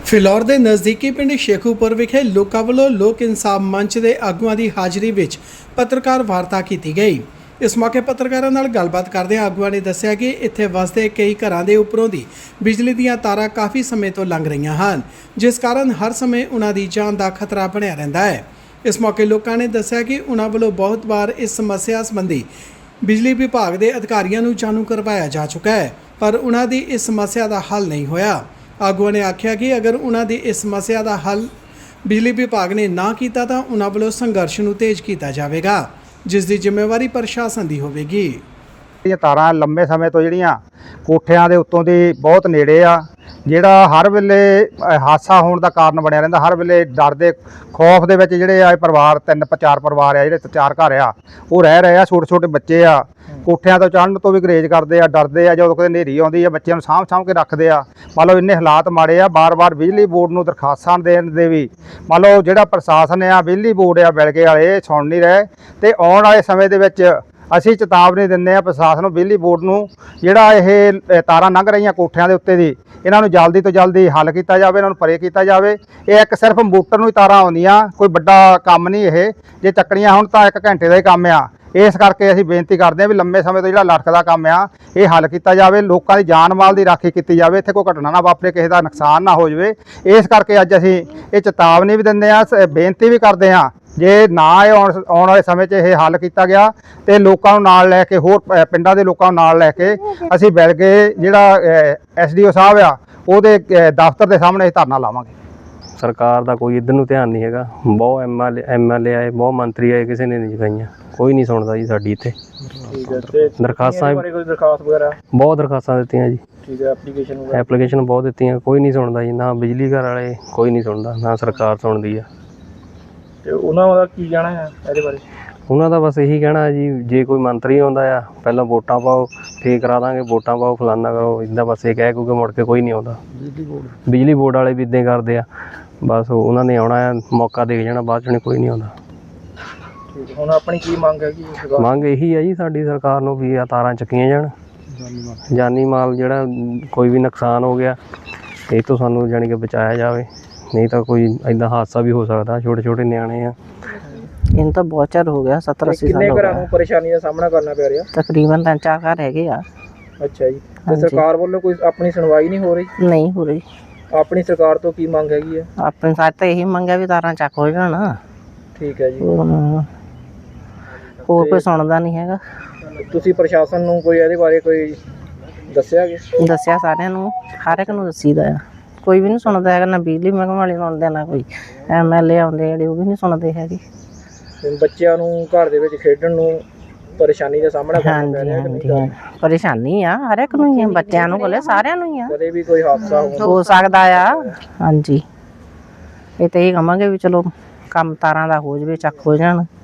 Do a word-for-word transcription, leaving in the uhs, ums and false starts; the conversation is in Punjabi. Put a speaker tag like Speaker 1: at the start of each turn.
Speaker 1: ਫਿਲੌਰ ਦੇ ਨਜ਼ਦੀਕੀ ਪਿੰਡ ਸ਼ੇਖੂਪੁਰ ਵਿਖੇ ਲੋਕਾਂ ਵੱਲੋਂ ਲੋਕ ਇਨਸਾਫ ਮੰਚ ਦੇ ਆਗੂਆਂ ਦੀ ਹਾਜ਼ਰੀ ਵਿੱਚ ਪੱਤਰਕਾਰ ਵਾਰਤਾ ਕੀਤੀ ਗਈ। ਇਸ ਮੌਕੇ ਪੱਤਰਕਾਰਾਂ ਨਾਲ ਗੱਲਬਾਤ ਕਰਦਿਆਂ ਆਗੂਆਂ ਨੇ ਦੱਸਿਆ ਕਿ ਇੱਥੇ ਵਸਦੇ ਕਈ ਘਰਾਂ ਦੇ ਉੱਪਰੋਂ ਦੀ ਬਿਜਲੀ ਦੀਆਂ ਤਾਰਾਂ ਕਾਫੀ ਸਮੇਂ ਤੋਂ ਲੰਘ ਰਹੀਆਂ ਹਨ, ਜਿਸ ਕਾਰਨ ਹਰ ਸਮੇਂ ਉਹਨਾਂ ਦੀ ਜਾਨ ਦਾ ਖਤਰਾ ਬਣਿਆ ਰਹਿੰਦਾ ਹੈ। ਇਸ ਮੌਕੇ ਲੋਕਾਂ ਨੇ ਦੱਸਿਆ ਕਿ ਉਹਨਾਂ ਵੱਲੋਂ ਬਹੁਤ ਵਾਰ ਇਸ ਸਮੱਸਿਆ ਸੰਬੰਧੀ ਬਿਜਲੀ ਵਿਭਾਗ ਦੇ ਅਧਿਕਾਰੀਆਂ ਨੂੰ ਜਾਣੂ ਕਰਵਾਇਆ ਜਾ ਚੁੱਕਾ ਹੈ, ਪਰ ਉਹਨਾਂ ਦੀ ਇਸ ਸਮੱਸਿਆ ਦਾ ਹੱਲ ਨਹੀਂ ਹੋਇਆ। ਆਗੂਆਂ ਨੇ ਆਖਿਆ ਕਿ ਅਗਰ ਉਹਨਾਂ ਦੀ ਇਸ ਸਮੱਸਿਆ ਦਾ ਹੱਲ ਬਿਜਲੀ ਵਿਭਾਗ ਨੇ ਨਾ ਕੀਤਾ ਤਾਂ ਉਹਨਾਂ ਵੱਲੋਂ ਸੰਘਰਸ਼ ਨੂੰ ਤੇਜ਼ ਕੀਤਾ ਜਾਵੇਗਾ, ਜਿਸ ਦੀ ਜ਼ਿੰਮੇਵਾਰੀ ਪ੍ਰਸ਼ਾਸਨ ਦੀ ਹੋਵੇਗੀ।
Speaker 2: ਇਹ ਤਾਰਾਂ ਲੰਮੇ ਸਮੇਂ ਤੋਂ ਜਿਹੜੀਆਂ ਕੋਠਿਆਂ ਦੇ ਉੱਤੋਂ ਦੀ ਬਹੁਤ ਨੇੜੇ ਆ, ਜਿਹੜਾ ਹਰ ਵੇਲੇ ਹਾਦਸਾ ਹੋਣ ਦਾ ਕਾਰਨ ਬਣਿਆ ਰਹਿੰਦਾ। ਹਰ ਵੇਲੇ ਡਰ ਦੇ ਖੌਫ ਦੇ ਵਿੱਚ ਜਿਹੜੇ ਆ ਪਰਿਵਾਰ ਤਿੰਨ ਚਾਰ ਪਰਿਵਾਰ ਆ, ਜਿਹੜੇ ਚਾਰ ਘਰ ਆ ਉਹ ਰਹਿ ਰਹੇ ਆ। ਛੋਟੇ ਛੋਟੇ ਬੱਚੇ ਆ, ਕੋਠਿਆਂ ਤੋਂ ਚੜ੍ਹਨ ਤੋਂ ਵੀ ਗਰੇਜ ਕਰਦੇ ਆ, ਡਰਦੇ ਆ। ਜਦੋਂ ਕੋਈ ਹਨੇਰੀ ਆਉਂਦੀ ਆ ਬੱਚਿਆਂ ਨੂੰ ਸਾਂਭ ਸਾਂਭ ਕੇ ਰੱਖਦੇ ਆ। ਮੰਨ ਲਓ ਇੰਨੇ ਹਾਲਾਤ ਮਾੜੇ ਆ, ਬਾਰ-ਬਾਰ ਬਿਜਲੀ ਬੋਰਡ ਨੂੰ ਦਰਖਾਸਤਾਂ ਦੇਣ ਦੇ ਵੀ ਮੰਨ ਲਓ ਜਿਹੜਾ ਪ੍ਰਸ਼ਾਸਨ ਆ, ਬਿਜਲੀ ਬੋਰਡ ਆ, ਬਿਲਗੇ ਵਾਲੇ ਸੁਣ ਨਹੀਂ ਰਹੇ। ਤੇ ਆਉਣ ਵਾਲੇ ਸਮੇਂ ਦੇ ਵਿੱਚ ਅਸੀਂ ਚੇਤਾਵਨੀ ਦਿੰਦੇ ਆ ਪ੍ਰਸ਼ਾਸਨ ਨੂੰ, ਬਿਜਲੀ ਬੋਰਡ ਨੂੰ, ਜਿਹੜਾ ਇਹ ਤਾਰਾਂ ਲੰਘ ਰਹੀਆਂ ਕੋਠਿਆਂ ਦੇ ਉੱਤੇ ਦੀ, ਇਹਨਾਂ ਨੂੰ ਜਲਦੀ ਤੋਂ ਜਲਦੀ ਹੱਲ ਕੀਤਾ ਜਾਵੇ, ਇਹਨਾਂ ਨੂੰ ਪਰੇ ਕੀਤਾ ਜਾਵੇ। ਇਹ ਇੱਕ ਸਿਰਫ ਮੋਟਰ ਨੂੰ ਹੀ ਤਾਰਾਂ ਆਉਂਦੀਆਂ, ਕੋਈ ਵੱਡਾ ਕੰਮ ਨਹੀਂ। ਇਹ ਜੇ ਚੱਕਣੀਆਂ ਹੁਣ ਤਾਂ ਇੱਕ ਘੰਟੇ ਦਾ ਹੀ ਕੰਮ ਆ। ਇਸ ਕਰਕੇ ਅਸੀਂ ਬੇਨਤੀ ਕਰਦੇ ਹਾਂ ਵੀ ਲੰਮੇ ਸਮੇਂ ਤੋਂ ਜਿਹੜਾ ਲਟਕਦਾ ਕੰਮ ਆ ਇਹ ਹੱਲ ਕੀਤਾ ਜਾਵੇ, ਲੋਕਾਂ ਦੀ ਜਾਨ ਮਾਲ ਦੀ ਰਾਖੀ ਕੀਤੀ ਜਾਵੇ, ਇੱਥੇ ਕੋਈ ਘਟਨਾ ਨਾ ਵਾਪਰੇ, ਕਿਸੇ ਦਾ ਨੁਕਸਾਨ ਨਾ ਹੋ ਜਾਵੇ। ਇਸ ਕਰਕੇ ਅੱਜ ਅਸੀਂ ਇਹ ਚੇਤਾਵਨੀ ਵੀ ਦਿੰਦੇ ਹਾਂ, ਬੇਨਤੀ ਵੀ ਕਰਦੇ ਹਾਂ, ਜੇ ਨਾ ਇਹ ਆਉਣ ਆਉਣ ਵਾਲੇ ਸਮੇਂ 'ਚ ਇਹ ਹੱਲ ਕੀਤਾ ਗਿਆ ਤੇ ਲੋਕਾਂ ਨੂੰ ਨਾਲ ਲੈ ਕੇ, ਹੋਰ ਪਿੰਡਾਂ ਦੇ ਲੋਕਾਂ ਨੂੰ ਨਾਲ ਲੈ ਕੇ ਅਸੀਂ ਬਿਲਗੇ ਜਿਹੜਾ ਐਸ ਡੀ ਓ ਸਾਹਿਬ ਆ ਉਹਦੇ ਦਫ਼ਤਰ ਦੇ ਸਾਹਮਣੇ ਅਸੀਂ ਧਰਨਾ ਲਾਵਾਂਗੇ।
Speaker 3: ਸਰਕਾਰ ਦਾ ਕੋਈ ਇੱਧਰ ਨੂੰ ਧਿਆਨ ਨਹੀਂ ਹੈਗਾ। ਬਹੁਤ M L M L A ਆਏ, ਬਹੁਤ ਮੰਤਰੀ ਆਏ, ਕਿਸੇ ਨੇ ਨਹੀਂ ਜਗਾਈਆਂ। ਕੋਈ ਨਹੀਂ ਸੁਣਦਾ ਜੀ ਸਾਡੀ ਇੱਥੇ।
Speaker 4: ਠੀਕ ਹੈ, ਤੇ
Speaker 3: ਦਰਖਾਸਤਾਂ
Speaker 4: ਬਾਰੇ ਕੋਈ ਦਰਖਾਸਤ ਵਗੈਰਾ
Speaker 3: ਬਹੁਤ ਦਰਖਾਸਤਾਂ ਦਿੱਤੀਆਂ ਜੀ।
Speaker 4: ਠੀਕ ਹੈ, ਐਪਲੀਕੇਸ਼ਨ ਵਗੈਰਾ
Speaker 3: ਐਪਲੀਕੇਸ਼ਨ ਬਹੁਤ ਦਿੱਤੀਆਂ, ਕੋਈ ਨਹੀਂ ਸੁਣਦਾ ਜੀ। ਨਾ ਬਿਜਲੀ ਘਰ ਵਾਲੇ ਕੋਈ ਨਹੀਂ ਸੁਣਦਾ, ਨਾ ਸਰਕਾਰ ਸੁਣਦੀ ਆ।
Speaker 4: ਤੇ ਉਹਨਾਂ ਦਾ ਕੀ ਕਹਿਣਾ ਹੈ ਇਹਦੇ ਬਾਰੇ?
Speaker 3: ਉਹਨਾਂ ਦਾ ਬਸ ਇਹੀ ਕਹਿਣਾ ਜੀ, ਜੇ ਕੋਈ ਮੰਤਰੀ ਆਉਂਦਾ ਆ ਪਹਿਲਾਂ ਵੋਟਾਂ ਪਾਓ, ਫੇਰ ਕਰਾ ਦਾਂਗੇ, ਵੋਟਾਂ ਪਾਓ, ਫਲਾਨਾ ਕਰੋ, ਇੱਦਾਂ ਬਸ ਇਹ ਕਹਿ ਕਿਉਂਕਿ ਮੁੜ ਕੇ ਕੋਈ ਨਹੀਂ ਆਉਂਦਾ। ਬਿਜਲੀ ਬੋਰਡ ਬਿਜਲੀ ਬੋਰਡ ਵਾਲੇ ਵੀ ਇੱਦਾਂ ਕਰਦੇ ਆ, ਬਸ ਉਹਨਾਂ ਨੇ ਆਉਣਾ ਆ, ਮੌਕਾ ਦੇ ਜਾਣਾ, ਬਾਅਦ 'ਚ ਕੋਈ ਨਹੀਂ ਆਉਂਦਾ।
Speaker 4: ਠੀਕ, ਹੁਣ ਆਪਣੀ ਕੀ ਮੰਗ ਹੈਗੀ?
Speaker 3: ਮੰਗ ਇਹੀ ਆ ਜੀ ਸਾਡੀ ਸਰਕਾਰ ਨੂੰ ਵੀ ਆ ਤਾਰਾਂ ਚੱਕੀਆਂ ਜਾਣ, ਜਾਨੀ ਮਾਲ ਜਿਹੜਾ ਕੋਈ ਵੀ ਨੁਕਸਾਨ ਹੋ ਗਿਆ ਇਹ ਤੋਂ ਸਾਨੂੰ ਜਾਣੀ ਕਿ ਬਚਾਇਆ ਜਾਵੇ, ਨਹੀਂ ਤਾਂ ਕੋਈ ਇੱਦਾਂ ਹਾਦਸਾ ਵੀ ਹੋ ਸਕਦਾ। ਛੋਟੇ ਛੋਟੇ ਨਿਆਣੇ ਆ।
Speaker 5: ਇਹਨੂੰ ਤਾਂ ਬਹੁਤ ਚਿਰ ਹੋ ਗਿਆ, ਸੱਤਰ ਅੱਸੀ ਸਾਲ
Speaker 4: ਕਿੰਨੇ ਘਰਾਂ ਨੂੰ ਪਰੇਸ਼ਾਨੀ ਦਾ ਸਾਹਮਣਾ ਕਰਨਾ ਪੈ ਰਿਹਾ?
Speaker 5: ਤਕਰੀਬਨ ਤਿੰਨ ਚਾਰ ਘਰ ਹੈਗੇ ਆ।
Speaker 4: ਅੱਛਾ ਜੀ, ਤੇ ਸਰਕਾਰ ਵੱਲੋਂ ਕੋਈ ਆਪਣੀ ਸੁਣਵਾਈ ਨਹੀਂ ਹੋ ਰਹੀ?
Speaker 5: ਨਹੀਂ ਹੋ ਰਹੀ।
Speaker 4: ਆਪਣੀ ਸਰਕਾਰ ਤੋਂ ਕੀ ਮੰਗ ਹੈਗੀ ਹੈ?
Speaker 5: ਆਪਣੇ ਸਾਥ ਤਾਂ ਇਹੀ ਮੰਗਿਆ ਵੀ ਤਾਰਾਂ ਚੱਕ ਹੋ ਜਾਣ।
Speaker 4: ਠੀਕ ਹੈ ਜੀ।
Speaker 5: ਹੋਰ ਕੋਈ ਸੁਣਦਾ ਨਹੀਂ ਹੈਗਾ।
Speaker 4: ਤੁਸੀਂ ਪ੍ਰਸ਼ਾਸਨ ਨੂੰ ਕੋਈ ਇਹਦੇ ਬਾਰੇ ਕੋਈ ਦੱਸਿਆ ਕਿ?
Speaker 5: ਦੱਸਿਆ ਸਾਰਿਆਂ ਨੂੰ, ਹਰ ਇੱਕ ਨੂੰ ਦੱਸੀਦਾ ਆ, ਕੋਈ ਵੀ ਨਹੀਂ ਸੁਣਦਾ ਹੈਗਾ। ਨਾ ਬਿਜਲੀ ਮਹਿਕਮੇ ਵਾਲੇ ਸੁਣਦੇ, ਨਾ ਕੋਈ ਐਮ ਐਲ ਏ ਆਉਂਦੇ ਜਿਹੜੇ ਉਹ ਵੀ ਨਹੀਂ ਸੁਣਦੇ ਹੈਗੇ।
Speaker 4: ਬੱਚਿਆਂ ਨੂੰ ਘਰ ਦੇ ਵਿੱਚ ਖੇਡਣ ਨੂੰ ਪਰੇਸ਼ਾਨੀ ਦਾ ਸਾਹਮਣਾ ਕਰਨਾ ਪੈ ਰਿਹਾ?
Speaker 5: ਹਾਂਜੀ ਹਾਂਜੀ, ਪਰੇਸ਼ਾਨੀ ਆ ਹਰ ਇੱਕ ਨੂੰ ਹੀ ਆ, ਬੱਚਿਆਂ ਨੂੰ ਕੋਲੇ ਸਾਰਿਆਂ ਨੂੰ ਹੀ ਆ।
Speaker 4: ਕਦੇ ਵੀ ਕੋਈ ਹਾਦਸਾ
Speaker 5: ਹੋ ਸਕਦਾ ਆ। ਹਾਂਜੀ, ਇਹ ਤਾਂ ਇਹ ਕਹਾਂਗੇ ਵੀ ਚਲੋ ਕੰਮ ਤਾਰਾਂ ਦਾ ਹੋ ਜਾਵੇ, ਚੱਕ ਹੋ ਜਾਣ।